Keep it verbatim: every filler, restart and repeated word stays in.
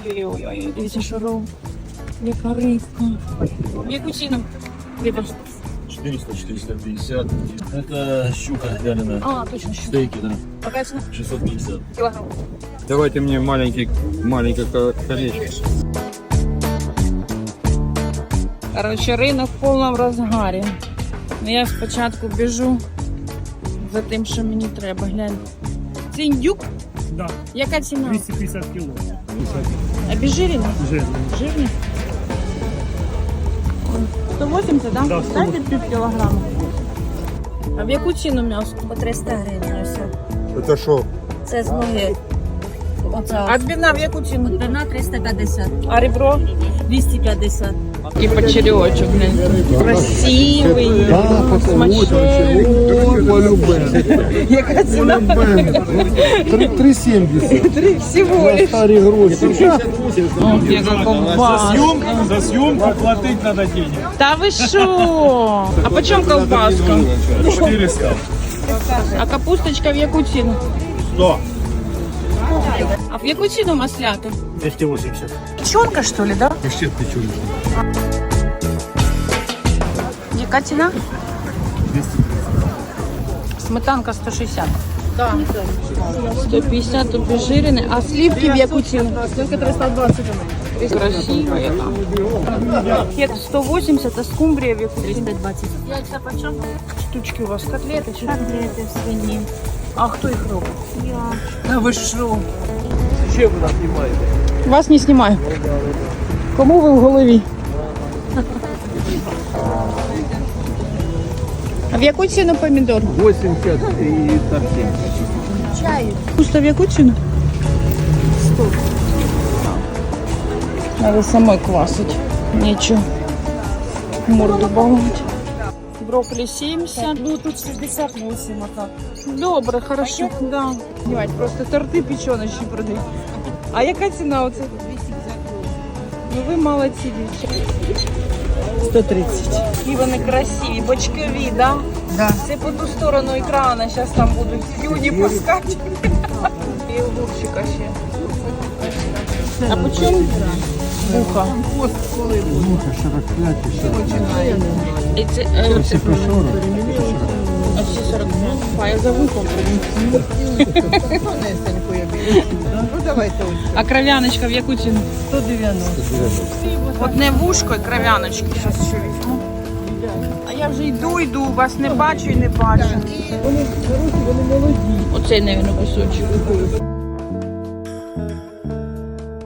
Ой-ой-ой, дивіться, що ров. Яка рибка. В яку ціну? Риба. четыреста четыреста пятьдесят. Это щука вяленая. А, точно, що. Стейки, да. Яка ціна? шестьсот пятьдесят. Кілограм. Давайте мне маленький, маленькое колечко. Короче, ринок в повному розгарі. Ну, я спочатку біжу за тим, що мені треба. Глянь. Це індюк? Да, Яка ціна? двести пятьдесят кило. Обезжирений? Жирный. Жирний? сто вісімдесят, да? Да, сто Дайте пів кілограма. А в яку ціну м'ясо? По триста гривень ось. Это что? Це з ноги. Оце А відбивна в яку ціну? одна триста п'ятдесят, А ребро? двісті п'ятдесят. І почерьочок, глянь. Красивий, смачний. Яка ціна? три семьдесят. Три всього лиш. Старые гроши. Ох, яка ковбаска. За съемку платить надо денег. Та ви що? А по чому ковбаска? четыреста. А капусточка в яку ціну? сто. А в яку ціну маслята? двести восемьдесят. Печенка, що ли, да? Почти печенка. Яка ціна? Сметанка сто шістдесят. Да. сто п'ятдесят обезжирений. А сливки в яку ціну? Сливка триста двадцать. Красиво яка. Хек сто вісімдесят, а скумбрія в яку ціну? триста двадцять. Яйця по чому? Штучки у вас котлети чи? Котлети в свині. А хто їх робить? Я. А ви що? Зачем вы нас снимаете? Вас не знімаю. Кому ви в голові? А в яку ціну помідор? восемьдесят и совсем. Чаю. Пусто в яку ціну? сто. Надо самой квасить. Нечего морду баловать. Брокколи семьдесят. Ну тут шістдесят вісім, а так. Добре, хорошо. Да. Знімать, просто торти печеночні продають. А яка ціна оце? Ну ви молодці, дівчата. сто тридцять. І вони красиві, бочкові, да? Да. Це по ту сторону екрану, зараз там будуть слюні пускати. І огурчика ще. А по чому? Вуха. Муха сорок пять и сорок пять. І це, е, це, сорок. а всі сорок п'ять. А я за вухом прийду. Ну давайте ось А кров'яночка в яку ціну? сто дев'яносто. Одне вушко і кров'яночки. Зараз ще візьму. А я вже йду, йду, вас не бачу і не бачу. Вони хороші, вони молоді. Оцей, мабуть, кусочок.